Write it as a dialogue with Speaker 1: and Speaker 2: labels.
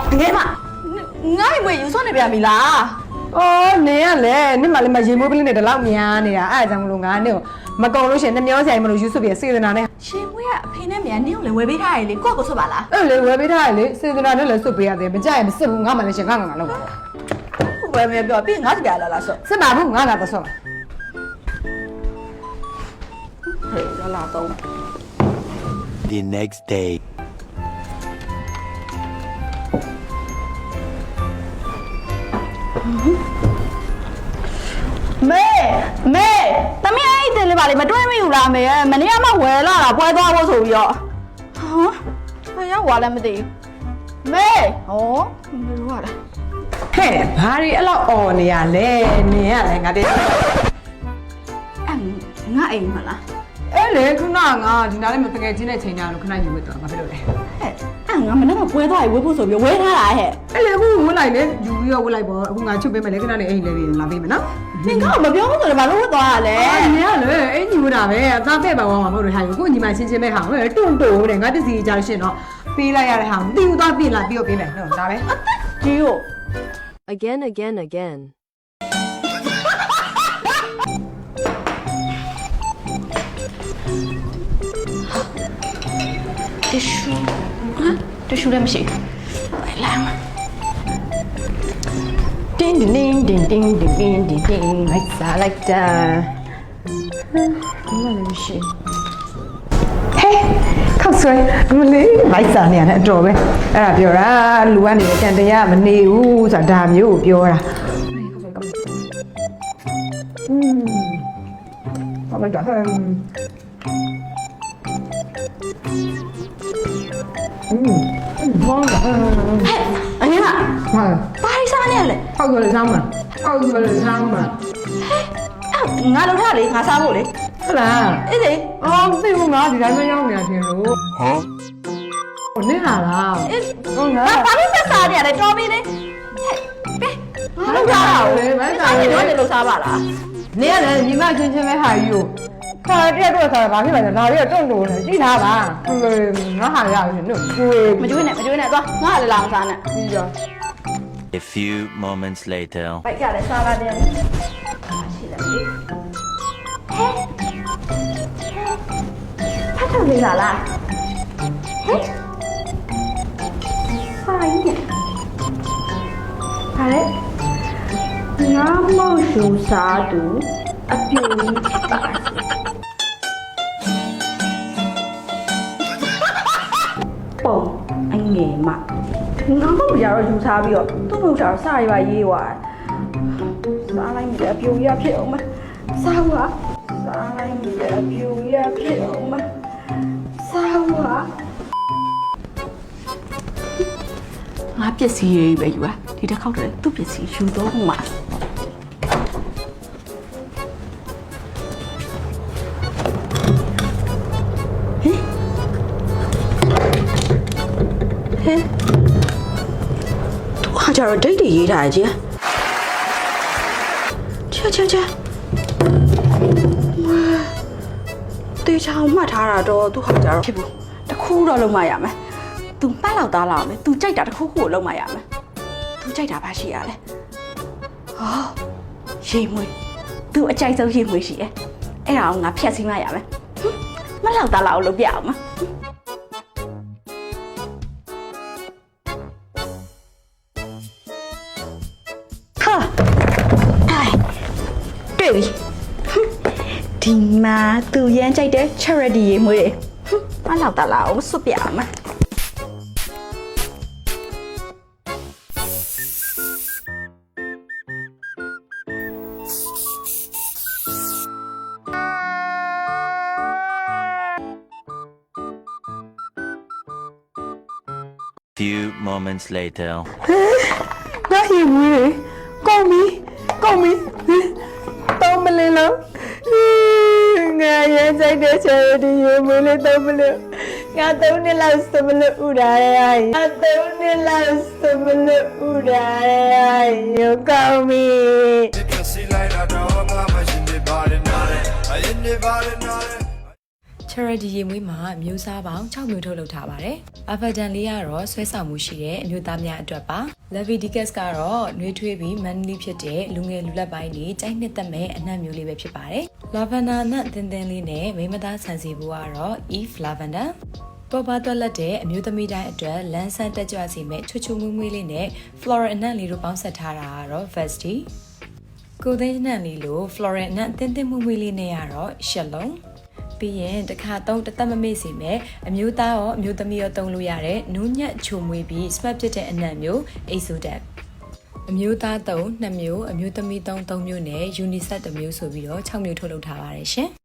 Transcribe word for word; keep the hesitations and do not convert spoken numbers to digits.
Speaker 1: တကယ်မငါ့မွေယူဆွနေပြန်ပြီလား
Speaker 2: အော်နင်ကလည်းနင်မလည်းမရေမိုးပလင်းနဲ့တလောက်များနေတာအဲ့ဒါကြောင့်မလို့ငါနင်ကိုမကုံလို့ရှိရင်နှမျောဆိုင်မလို့ယူဆွပြီးစေတနာနဲ့
Speaker 1: ရှင်မွေကအဖေနဲ့မြန်နင်းကိုလည်းဝယ်ပေးထားရလေကိုယ့်ကိုဆွပါလား
Speaker 2: အဲ့လေဝယ်ပေးထားရလေစေတနာနဲ့လည်းဆွပေးရတယ်မကြရင်မစစ်ဘူးငါမှလည်းရှင်ငါငါငါလောက်ပါ
Speaker 1: ဝယ်မယ်ပြောပြီးငါစပြလာလားဆွ
Speaker 2: စစ်ပါဘူးငါကတော့ဆွပါ
Speaker 1: ဟဲ့လာလာတော့
Speaker 3: The next day
Speaker 1: မေမေတမီးအဲ့ဒီလေးပါလေမတွဲမိဘူးလားမေရဲ့မနေ့ကမှဝယ်လာတာပွဲသွားဖို့ဆိုပြီးတော့ဟာဘယ်ရောက်သွားလဲမသိဘူးမေဟောဘယ်လိုရလဲ
Speaker 2: ဟဲ့ဘာတွေအဲ့လောက်អော်နေရလဲနင်ကလည်းငါတည်း
Speaker 1: အဲ့ငါအိမ်မလား
Speaker 2: အဲ့လေခုနကငါဒီနားလေးမတကယ်ချင်းတဲ့ချိန်ကြလို့ခဏယူဝတ်တော့ငါပြောလို့လေ
Speaker 1: ဟဲ့အဲ့ငါမနေ့ကပွဲသွားရေးဝယ်ဖို့ဆိုပြီးဝယ်ထားတာဟဲ့
Speaker 2: အဲ့လေအခုဝတ်လိုက်လေယူပြီးတော့ဝတ်လိုက်ပေါ့အခုငါချုပ်ပေးမယ်လေခဏလေးအိမ်လေးပြီးလာပေးမယ်နော်
Speaker 1: နင်ကမပြောဘူးဆိုတော့ဘာလို့ဝတ်သွားရလဲ
Speaker 2: အဲ့နင်ကလေအိမ်ညီဝတ်တာပဲအသားပဲ့ပါသွားမှာမဟုတ်လို့ဟာကိုညီမချင်းချင်းပဲဟာဟဲ့တွန့်တိုးတဲ့ငါတစီကြလို့ရှင်တော့ပေးလိုက်ရတဲ့ဟာမသိဘူးသွားပြင်လာပြီးတော့ပေးမယ်ဟုတ်ဒါပဲ
Speaker 1: ဒီကို
Speaker 4: again again again
Speaker 1: tissue ဟမ် tissue လည်းမရှိဘူးလာမ
Speaker 2: တင်းတင်းတင်းတင်းတင်းတင်းတင်းတင်းလိုက်စားလိုက်တာဟမ်ဘာလဲမရှိဟဲ့ခောက်ဆွဲမလေးလိုက်စားနေရတယ်အတော်ပဲအဲ့ဒါပြောတာလူကနေကြံတရားမနေဘူးဆိုတာဒါမျိုးကိုပြောတာอืมဘာလဲတော့อืมဘောင်းဟဲ့
Speaker 1: အငယ်မ
Speaker 2: ဟာ
Speaker 1: ဘာလို့စားနေရလဲ
Speaker 2: ဟောက်ကြလေစားမှာဟောက်ကြလေစားမှာ
Speaker 1: ဟဲ့ငါလုပ်ထားလေငါစားဖို့လေ
Speaker 2: ဟုတ်လား
Speaker 1: အေးလေ
Speaker 2: အော်သိဘူးငါဒီတိုင်းမရောက်နေတာတင်လို့ဟမ်ဟိုနင်းလာလား
Speaker 1: အေးဟုတ်လားဘာလို့ဆက်စားနေရလဲတော်ပြီလေဟဲ့ပဲငါလုပ်ထားတာလေဘာစားနေတော့လေလုပ်စားပါလား
Speaker 2: နင်းကလည်းညီမချင်းချင်းပဲဟာယူခါတက်တော့စားဘာဖြစ်လဲဒါလေးတော့တုံ့လို့ကြည့်ထားပါငါဟာရရင်တို့ကျွေး
Speaker 1: မကျွေးနဲ့မကျွေးနဲ့သွားငါလည်းလောင်စားနဲ့
Speaker 2: ပြီးတော့
Speaker 3: A few moments later
Speaker 1: ဘိုက်ကလည်းစားပါတယ်ရှိတယ်လေဟဲ့ဖတ်ထုတ်နေတာလားဟဲ့ဖိုင်းနဲ့ဟာလေငါမောက်ရှူစားသူအပြူကြီးပါပုံအငယ်မငါမောက်ရတော့ယူစားပြီးတော့သူ့မောက်တာစရပါရေးသွားစားလိုက်မြဲအပြူရဖြစ်အောင်မစားပါစားလိုက်မြဲအပြူရဖြစ်အောင်မစားပါငါပစ္စည်းရေးပဲယူอ่ะဒီတစ်ခေါက်တည်းသူ့ပစ္စည်းယူတော့မှာဟဲ့သူဟာကြတော့ဒိတ်တွေရေးထားကြည့်ချာချာချာတေချာအောင်မှတ်ထားတာတော့သူဟာကြတော့ဖြစ်ဘူးတခုတော့လုံးမရမယ်သူမှတ်လောက်သားလာမယ်သူကြိုက်တာတခုခုကိုလုံးမရမယ်သူကြိုက်တာဘာရှိရလဲဟောရေမွေးသူအကြိုက်ဆုံးရေမွေးရှိတယ်အဲ့ဒါအောင်ငါဖြတ်စီးမရမယ်မလောက်သားလာအောင်လုပ်ပြအောင်မဒီမှာသူရမ်းကြိုက်တဲ့ charity ရေမွေးတယ်။မလောက်တာလားအောင်စွတ်ပြအောင်မ။
Speaker 3: Few moments later
Speaker 2: ငါရေမွေးကောင်းပြီကောင်းပြီတော့မလင်းလို့ငါရဲစိတ်တဲ့ချယ်ဒီရေမွေးလေးတော့မလို့ငါသုံးနှစ်လောက်စမလို့ဥဒါရဲငါသုံးနှစ်လောက်စမလို့ဥဒါရဲရောကောင်းပြီ
Speaker 5: charity ရေမွေးမှာမျိုးစားပေါင်း၆မျိုးထုတ်လုပ်ထားပါတယ်။ Abadan လေးကတော့ဆွဲဆောင်မှုရှိတဲ့အမျိုးသားများအတွက်ပါ။ Leviticus ကတော့နှွေးထွေးပြီး manly ဖြစ်တဲ့လူငယ်လူလက်ပိုင်းတွေကြိုက်နှစ်သက်မဲ့အနံ့မျိုးလေးပဲဖြစ်ပါတယ်။ Lavender အနံ့သင်းသင်းလေးနဲ့မိမသားဆန်စီဘူးကတော့ Eve Lavenderပေါ်ပါတော့လက်တဲ့အမျိုးသမီးတိုင်းအတွက်လန်းဆန်းတက်ကြွစီမဲ့ချွတ်ချွတ်မွေးမွေးလေးနဲ့ floral အနံ့လေးတို့ပေါင်းဆက်ထားတာကတော့ Vesti ကိုသိန်းအနံ့လေးလို floral အနံ့တင်းတင်းမွေးမွေးလေးနဲ့ကတော့ Shalom ပြီးရင်တစ်ခါသုံးတသက်မမေ့စီမဲ့အမျိုးသားရောအမျိုးသမီးရောသုံးလို့ရတဲ့နူးညံ့ချိုမွေးပြီး smart ဖြစ်တဲ့အနံ့မျိုး Exodat အမျိုးသားသုံးနှစ်မျိုးအမျိုးသမီးသုံးသုံးမျိုးနဲ့ unisex တစ်မျိုးဆိုပြီးတော့၆မျိုးထုတ်လုပ်ထားပါတယ်ရှင်